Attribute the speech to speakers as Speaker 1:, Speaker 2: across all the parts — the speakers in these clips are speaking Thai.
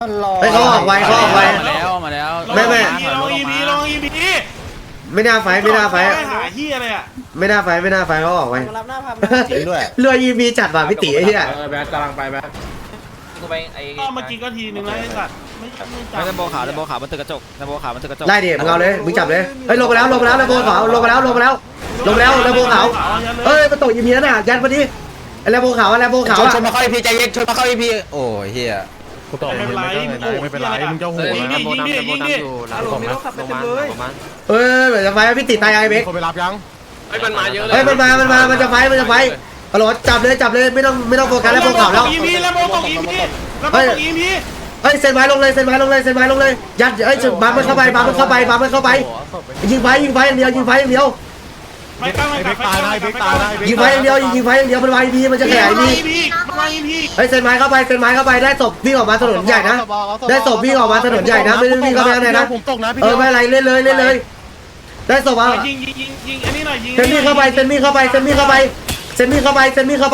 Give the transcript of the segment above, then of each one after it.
Speaker 1: ไม่เขาออกไวเขาออกไว
Speaker 2: มาแล้ว
Speaker 1: ไม่
Speaker 3: ลองอีพี
Speaker 1: ไม่น่าไฟไม่น่าไฟ
Speaker 3: หาเฮียอะไรอ่ะ
Speaker 1: ไม่น่าไฟไม่น่าไฟเขาออกไว
Speaker 4: รับหน้าพับจริงด้วย
Speaker 1: เรือยีมีจัดว่ะพี่ตีไอ้เหี้ย
Speaker 5: แบทกำลังไปแบท
Speaker 2: กูไปไอ้
Speaker 3: ก็เมื่อกี้ก็ทีนึงแล้วไอ้สัตว์ไม่จับ
Speaker 2: ไม่ตะโบขาวตะโบขาวมันตึกกระจกตะโบขาวมันตึกกระจก
Speaker 1: ไล่ดิมึงเอาเลยมึงจับเลยเฮ้ยลงไปแล้วลงไปแล้วระโบขาวลงไปแล้วลงไปแล้วลงไปแล้วระโบขาวเฮ้ยมันตกยีมีแล้วน่ะยันพอดีไอ้ระโบขาวระโบขาว
Speaker 4: ชนมาเข้าอีพีใจเย็นชนมาเข้าอีพีโอ้ยเฮีย
Speaker 5: กูตอบไม่เป็นไรไม่เป็นไรมึงจะโหด
Speaker 3: ยิง
Speaker 5: นะ
Speaker 3: ดิยิงดิยิงดิ
Speaker 5: ผมนะลงมา
Speaker 1: เฮ้ยเหมือนจะไฟพี่ตีตายไอ้เบค
Speaker 5: คนไปรับยัง
Speaker 2: ไอ้มันมาเยอะเลย
Speaker 1: เฮ้ยมันจะไฟฮัลโหลจับเลยไม่ต้องโฟกัสระโบขาวแล้ว
Speaker 3: อีพีแล้วโบตกอีพีแล้วโบตกอีพี
Speaker 1: เฮ้ยเซ็นไม้ลงเลยยัดเอ้ยบังมันเข้าไปยิงไฟอย่างเดียว
Speaker 3: ไม่กล้าไม่
Speaker 5: เบ
Speaker 3: ก
Speaker 5: ก
Speaker 3: ล้า
Speaker 5: ตายได้เบกตายได้
Speaker 1: ยิงไฟอย่างเดียวมันวายพีมันจะขยายพี
Speaker 3: มาอีพี
Speaker 1: เฮ้ยเซ็นไม้เข้าไปได้ศพวิ่งออกมาถนนใหญ่นะได้ศพวิ่งออกมาถนนใหญ่นะไม่ได้วิ่งเข้าไปข้างในนะ
Speaker 5: ผมตกนะพี่
Speaker 1: ไม่อะไรเล่นเลยได้ศพอ่ะ
Speaker 3: ยิงอันนี้หน่อยยิง
Speaker 1: เซ็นมีเข้าไปยิงไฟเซ็นมีเข้าไปเซ็นมีเข้าไปเซ็นมีเข้าไป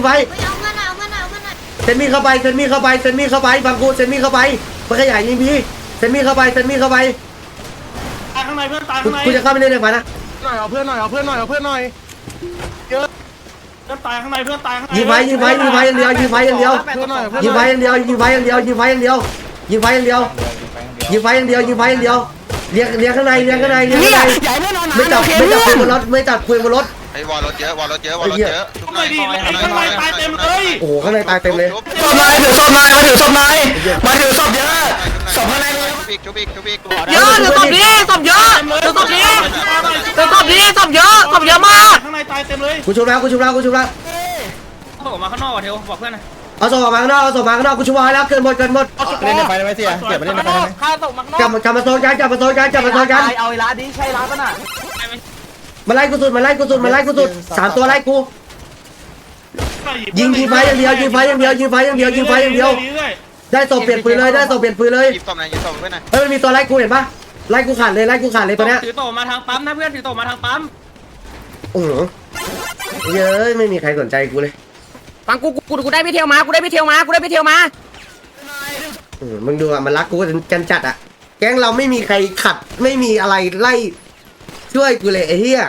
Speaker 1: บางกูเซ็นมีเข้าไปมันขยายยิงพีเซ็นมีเข้าไป
Speaker 3: ตายข้างในเพื่อนตายข้างใน
Speaker 1: กูจะเข้าไปเล่นในฝันนะ
Speaker 5: หน่อยเอาเพื่อนหน่อยเยอะ
Speaker 3: เพื่อนตายข้างในเพื่อนตายข้างใน
Speaker 1: ยิงไฟอย่างเดียวยิงไฟอย่างเดียวเลี้ยงข้างในไม่จับคุยบนรถ
Speaker 6: ไอ้วอลรถเยอะวอลรถเยอะ
Speaker 3: ข้างในดีข้างในตายเต็มเลย
Speaker 1: โอ้โหข้างในตายเต็มเลย
Speaker 4: ศพนายถือศพนายมาถือศพนายมาถือศพเยอะศพข้างในเลย
Speaker 6: ชุบอีก
Speaker 7: เยอะเดี๋ยวศพนี้ศพเยอะเดี๋ยวศพนี้เดี๋ยวศพนี้ศพเยอะมาก
Speaker 3: ข้างในตายเต็มเลย
Speaker 1: กูชุบแล้ว
Speaker 2: เขาบอกมาข้างนอกว่ะเทวบอกเพื่อนนะ
Speaker 1: เอาส่งมาข้างนอกกูชุบไว้แล้วเกินหมด
Speaker 4: เล่นในไฟได้ไหมเสียเก็บมาเล่นในไฟได้ไหม
Speaker 7: ข้าตกมักนอก
Speaker 1: กลับมาโซนกัน
Speaker 7: เอาไอ้ร้านนี้ใช่ร้านป่ะน่ะ
Speaker 1: มาไล่กูสุดสามตัวไล่กูยิงไฟอย่างเดียวได้ศพเปลี่ยนปืนเลย
Speaker 6: หยิบศพไหนหยิบศพเพื่อนหน่อย
Speaker 1: เฮ้ยมันมีตัวไล่กูเห็นปะไล่กูขาดเลยตัวเนี้ย
Speaker 2: ถือโตมาทางปั๊มนะเพื่อนถือโตมาทางปั๊ม
Speaker 1: โอ้โหเยอะไม่มีใครสนใจกูเลย
Speaker 7: ฟังกูได้ไปเที่ยวมา
Speaker 1: มึงดูอ่ะมันรักกูกันจัดอ่ะแก๊งเราไม่มีใครขัดไม่มีอะไรไล่ช่วยกูเลยไอ้เหี้ย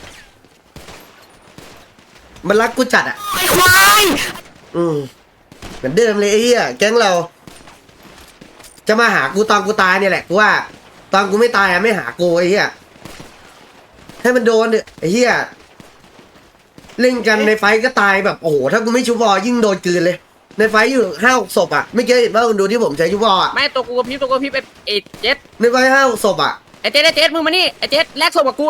Speaker 1: มันรักกูจัดอ่ะ
Speaker 7: ไอ้ควาย
Speaker 1: เหมือนเดิมเลยไอ้เหี้ยแก๊งเรา จะมาหากูตอนกูตายเนี่ยแหละกูว่าตอนกูไม่ตายอ่ะไม่หากูไอ้เหี้ยให้มันโดนเถอะไอ้เหี้ยเล่นกันในไฟก็ตายแบบโอ้โหถ้ากูไม่ชุบวอยิ่งโดนกลืนเลยในไฟอยู่5-6 ศพอ่ะไม่เกี่ยวเห็นว่าคุณดูที่ผมใช้ชุบวออ่ะ
Speaker 7: ไม่ตัวกูกับพี่ไอ้เจ็ด
Speaker 1: ในไฟ5-6 ศพอ่ะ
Speaker 7: ไอ้เจ็ดมึงมานี่ไอ้เจ็ดแลกศพกับกู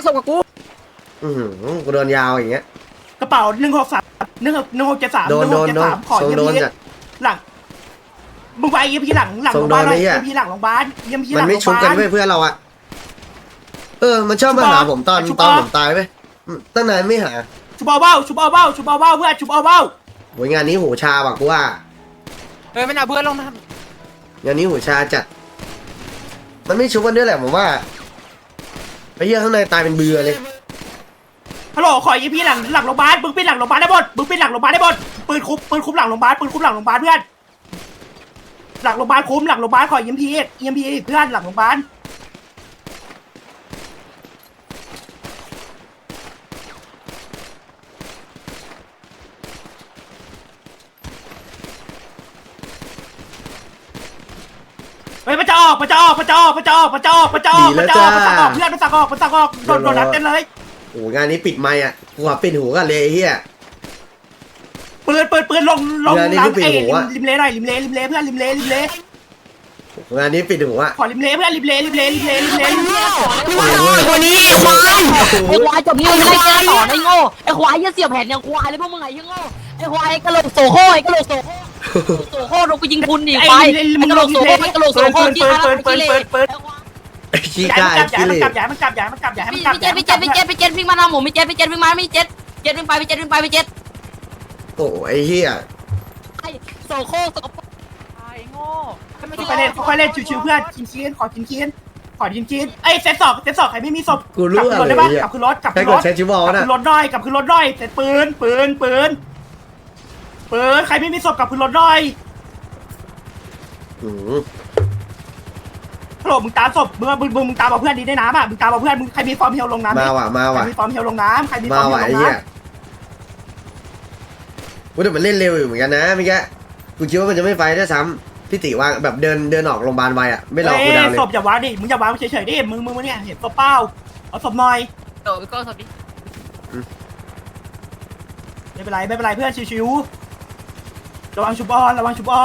Speaker 1: กูโดนยาวอย่างเงี้ย
Speaker 3: กระเป๋า1673
Speaker 1: โดน
Speaker 3: ขอ
Speaker 1: ทรง
Speaker 3: เยี่ย
Speaker 1: โด
Speaker 3: ม
Speaker 1: น
Speaker 3: พี่
Speaker 1: จัด
Speaker 3: หลังมึงไปเยี่ยมพี่หลังโรงพยาบาลเยี่ยมพี่หลังโรงพยาบาลเยี่ยมพี่ห
Speaker 1: มั
Speaker 3: ลั
Speaker 1: น
Speaker 3: ง
Speaker 1: ไม่ชุบกันเพื่อนเราอ่ะมันชอบมาหาผมตอนผมตายไปตั้งนานไม่หา
Speaker 3: ชุบเอาเบ้าเพื่อนชุบเอาเบ้า
Speaker 1: โหงานนี้หูชาว่ะกูว่า
Speaker 7: เฮ้ยไม่เอาเพื่อนลงนะ
Speaker 1: งานนี้หูชาจัดมันไม่ชุบกันด้วยแหละผมว่าไอ้เหี้ยข้างในตายเป็นเบื่อเลย
Speaker 3: ฮัลโหลขอเยี่ยมพี่หลังโรงพยาบาลมึงเป็นหลังโรงพยาบาลได้หมดปืนคุมหลังโรงพยาบาลเพื่อนหลังโรงพยาบาลคุมหลังโรงพยาบาลขอเยี่ยมพี่เพื่อนหลังโรงพยาบาลเฮ้ยมันจะออกเพื่อนมันสั่งออกโดนนัดเต้นเลย
Speaker 1: โอ้งานนี้ปิดไมค์อ่ะกูว่าปิดหูกันเลยไอ้เหี้ย
Speaker 3: ปืนลง
Speaker 1: เรือนี่คือปิดหูอะ
Speaker 3: ริมเลหน่อยริมเลเพื่อนริมเล
Speaker 1: งานนี้ปิดหูอ่ะ
Speaker 3: ขอริมเลเพื่อนริมเล
Speaker 7: คนนี้ไอ้ควายจบนี้ไม่ได้แก้ต่อไอ้โง่ไอ้ควายเสียบแผ่นอย่างควายเลยพวกมึงไอ้โง่ไอ้ควายกระโหลกโสโค่ลงไปยิงคุณดิไปไอ้กระโหลกโสโค่จี้ขา
Speaker 1: ขี้กายขี้เหร่
Speaker 3: มันกลับอย่าให้มันกลับ
Speaker 7: พี่เจ็ดวิ่งมาทางผมพี่เจ็ดวิ่งมาพี่เจ็ดวิ่งไปพี่เจ็ด
Speaker 1: โอ้ไอ้เหี้ย
Speaker 7: โสโค่ไอ้โง่
Speaker 3: ค่อยเล่นชิวๆเพื่อนขอกินไอ้เซตสองใครไม่มีศพ
Speaker 1: กูรู้อะไร
Speaker 3: ได้ปะ
Speaker 1: เนี่ย
Speaker 3: กลับขึ้นรถ
Speaker 1: ใช้กดใช้ชิวอลนะ
Speaker 3: กลับขึ้นรถด้อยเสร็จปืนใครไม่มีศพกลับขึ้นรถด้อย
Speaker 1: อืม
Speaker 3: ฮัลโหลมึงตามศพมึงตามเอาเพื่อนดีได้น้ำอ่ะมึงตามเอาเพื่อนมึงใครมีฟอร์มเฮลลงน้ำ
Speaker 1: มาว่ะมา
Speaker 3: ใคร
Speaker 1: ว่ะ
Speaker 3: มีฟอร์มเฮลลงน้ำใครมีฟ
Speaker 1: มา
Speaker 3: อร์มเฮ
Speaker 1: ว่ะ
Speaker 3: ลล
Speaker 1: ไอ้
Speaker 3: ง
Speaker 1: เหี้ย
Speaker 3: น้ำ
Speaker 1: กูแต่มันเล่นเร็วอยู่เหมือนกันนะเมื่อกี้กูคิดว่ามันจะไม่ไฟด้วยซ้ำพี่ติว่าแบบเดินออกโรงพยาบาลไวอ่ะไม่รอกูดาวเลย
Speaker 3: ศพอย่าวางดิมึงอย่าวางเฉยๆดิมึงเนี่ยเห็นศพเปล่าเอาศพหน่อย
Speaker 7: โดดไปก้อนสดดิ
Speaker 3: ไม่เป็นไรเพื่อนชิวๆระวังชุบออน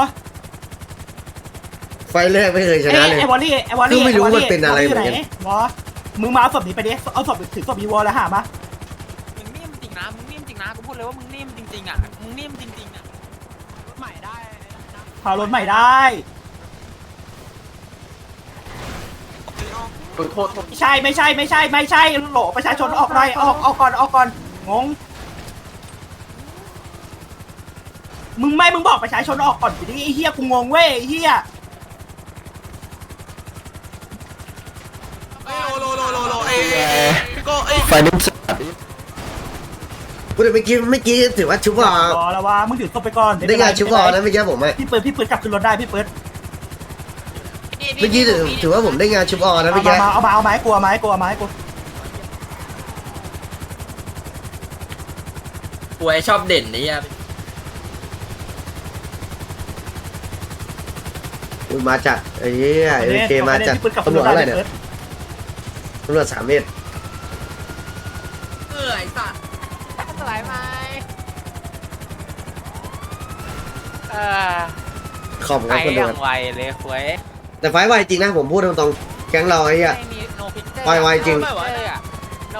Speaker 1: ไฟแรกไม่เคยชนะเลย
Speaker 3: ไอ้วอลลี่
Speaker 1: คือไม่รู้มันเป็นอะไรเหมือนกัน
Speaker 3: วอมึงมาเอาศพนี้ไปดิเอาศพถึงศพอีวอลแล้วหามา
Speaker 7: มึงนิ่มจริงนะมึงนิ่มจริงนะกูพูดเลยว่ามึงนิ่มจริงๆอ่ะมึงนิ่มจริงๆอ่ะใหม่ได้
Speaker 3: พารถใหม่ได้ ไม่ใช่โหลประชาชนออกหน่อยออกก่อนงงมึงบอกประชาชนออกก่อนดิไอ้เหี้ยกูงงเว้ยไอ้เหี้ย
Speaker 4: ไฟนิ่มสัตว์
Speaker 1: กูแต่เมื่อกี้ถือว่าชุบอ่ะ
Speaker 3: รอแล้วว่ามึงถือศพไปก่อน
Speaker 1: ได้งานชุบอ่ะนะเมื่อกี้ผมอ่ะ
Speaker 3: พี่เปิดกลับขึ้นรถได้พี่เปิด
Speaker 1: เมื่อกี้ถือว่าผมได้งานชุบอ่ะนะเมื่อกี้
Speaker 3: เอาไม้กลัวไม้กู
Speaker 2: ป่วยชอบเด่นนี่อ่ะ
Speaker 1: อุ้ยมาจัดไอ้เหี้ยโอเคมาจัด
Speaker 3: พี่เปิดกลับ
Speaker 1: ตำรวจ
Speaker 3: ได้
Speaker 1: อะไรเนี่ยตำรวจ3 เมตร
Speaker 2: ไอ้สัตว์
Speaker 7: สลายไหม
Speaker 1: ขอบคุณครับคนดูครับ
Speaker 7: ไวเลยคุย
Speaker 1: แต่ไฟไวจริงนะผมพูดตรงๆแก๊งเราไอ้เหี้ย
Speaker 7: ไม่มีโนพิกเจอร์
Speaker 1: ไวจริง
Speaker 7: โน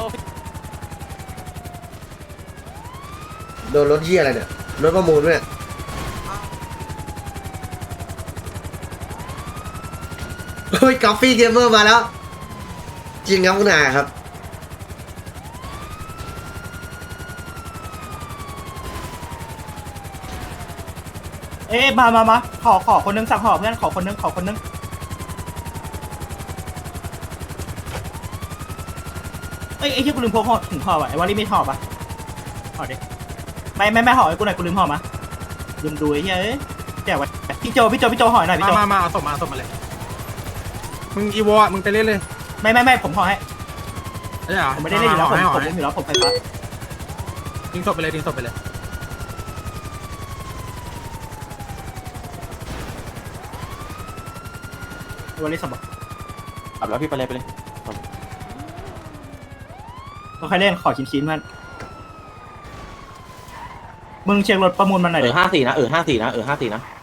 Speaker 1: โดนรถเหี้ยอะไรเนี่ยรถประมูลด้วยเฮ้ยกาแฟเกมเมอร์มาแล้ว จริงครับคุณอาครับ
Speaker 3: เอ๊ะมาขอคนนึงสั่งห่อเพื่อนขอคนนึงเอ้ยไอ้ที่กูลืมพกห่อถุงห่อว่ะไอ้วอลลี่ไม่ห่อปะห่อดิไม่ห่อไอ้กูหน่อยกูลืมห่อมาลืมดูไอ้เหี้ยเอ้ยแจกไว้พี่โจห่อหน่อยพี่โจ
Speaker 5: มาเอาศพมาเลยมึงอีวอมึงไปเล่นเลย
Speaker 3: ไม่ผมห่อให้
Speaker 5: ได้เหรอ
Speaker 3: ผมไม่ได้เล่นอยู่แล้วผม
Speaker 5: ให้ห
Speaker 3: ผ
Speaker 5: อ
Speaker 3: ม
Speaker 5: ย
Speaker 3: อยู่แล้วผมไฟฟ้า
Speaker 5: ทิ้งศพไปเลย
Speaker 3: วอลลี่สมบัติ
Speaker 4: ขับแล้วพี่ไปเลย
Speaker 3: ก็ใครเล่นขอชิ้นมันมึงเช็ครถประมูลมันหน่อยดิ
Speaker 4: 54นะ54นะ